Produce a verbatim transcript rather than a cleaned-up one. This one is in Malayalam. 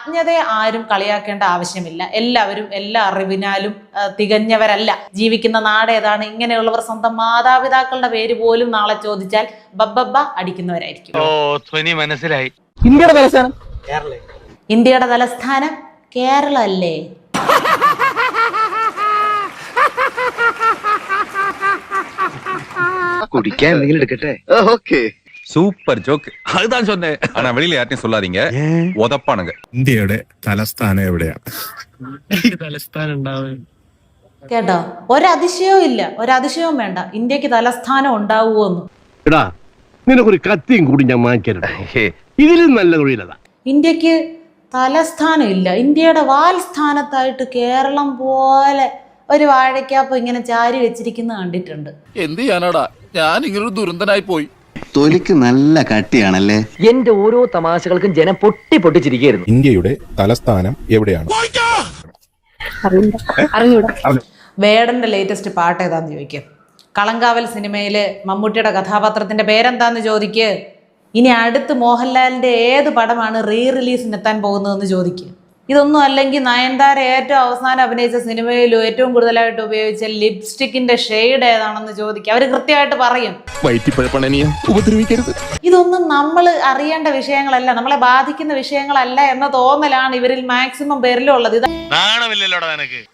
അജ്ഞതയെ ആരും കളിയാക്കേണ്ട ആവശ്യമില്ല. എല്ലാവരും എല്ലാ അറിവിനാലും തികഞ്ഞവരല്ല. ജീവിക്കുന്ന നാട് ഏതാണ്? ഇങ്ങനെയുള്ളവർ സ്വന്തം മാതാപിതാക്കളുടെ പേര് പോലും നാളെ ചോദിച്ചാൽ ബബ്ബബ്ബ അടിക്കുന്നവരായിരിക്കും. മനസ്സിലായി. ഇന്ത്യയുടെ തലസ്ഥാനം ഇന്ത്യയുടെ തലസ്ഥാനം കേരള അല്ലേ? കുടിക്കാൻ എന്തെങ്കിലും എടുക്കട്ടെ. Okay, super joke. அதுதான் சொன்னேன். ஆனா வெளியில யார்ட்டையும் சொல்லாதீங்க. உதப்பானுங்க. ഇന്ത്യയുടെ തലസ്ഥാനം എവിടെയാണ്? തലസ്ഥാനം ഉണ്ടാവും കേട്ടോ, ഒരതിശയവും ഇല്ല, ഒരതിശയവും വേണ്ട. ഇന്ത്യക്ക് തലസ്ഥാനം ഉണ്ടാവുമോന്ന്. എടാ, നിനക്കൊരു കത്തിയും കൂടി ഞാൻ വാങ്ങിക്കരുത്. ഇതിലും നല്ല തൊഴിലതാ. ഇന്ത്യക്ക് തലസ്ഥാനം ഇല്ല. ഇന്ത്യയുടെ വാൽ സ്ഥാനത്തായിട്ട് കേരളം പോലെ ഒരു വാഴയ്ക്കാപ്പ് ഇങ്ങനെ ചാരി വെച്ചിരിക്കുന്ന കണ്ടിട്ടുണ്ട്. എന്ത് ചെയ്യാനാടാ, ഞാൻ ഇങ്ങനൊരു ദുരന്തനായി പോയി. തൊലിക്ക് നല്ല കട്ടിയാണല്ലേ. എന്റെ ഓരോ തമാശകൾക്കും ജനം പൊട്ടി പൊട്ടിച്ചിരിക്കുന്നു. ഇന്ത്യയുടെ തലസ്ഥാനം എവിടെയാണ്? വേടന്റെ ലേറ്റസ്റ്റ് പാട്ട് ഏതാന്ന് ചോദിക്കുക. കളങ്കാവൽ സിനിമയില് മമ്മൂട്ടിയുടെ കഥാപാത്രത്തിന്റെ പേരെന്താന്ന് ചോദിക്കുക. ഇനി അടുത്ത് മോഹൻലാലിന്റെ ഏത് പടമാണ് റീ റിലീസിന് എത്താൻ പോകുന്നതെന്ന് ചോദിക്കുക. ഇതൊന്നും അല്ലെങ്കിൽ നയൻതാര ഏറ്റവും അവസാനം അഭിനയിച്ച സിനിമയിലും ഏറ്റവും കൂടുതലായിട്ട് ഉപയോഗിച്ച ലിപ്സ്റ്റിക്കിന്റെ ഷെയ്ഡ് ഏതാണെന്ന് ചോദിക്കുക. അവർ കൃത്യമായിട്ട് പറയും. ഇതൊന്നും നമ്മൾ അറിയേണ്ട വിഷയങ്ങളല്ല, നമ്മളെ ബാധിക്കുന്ന വിഷയങ്ങളല്ല എന്ന തോന്നലാണ് ഇവരിൽ മാക്സിമം പേരിലും ഉള്ളത്. ഇത്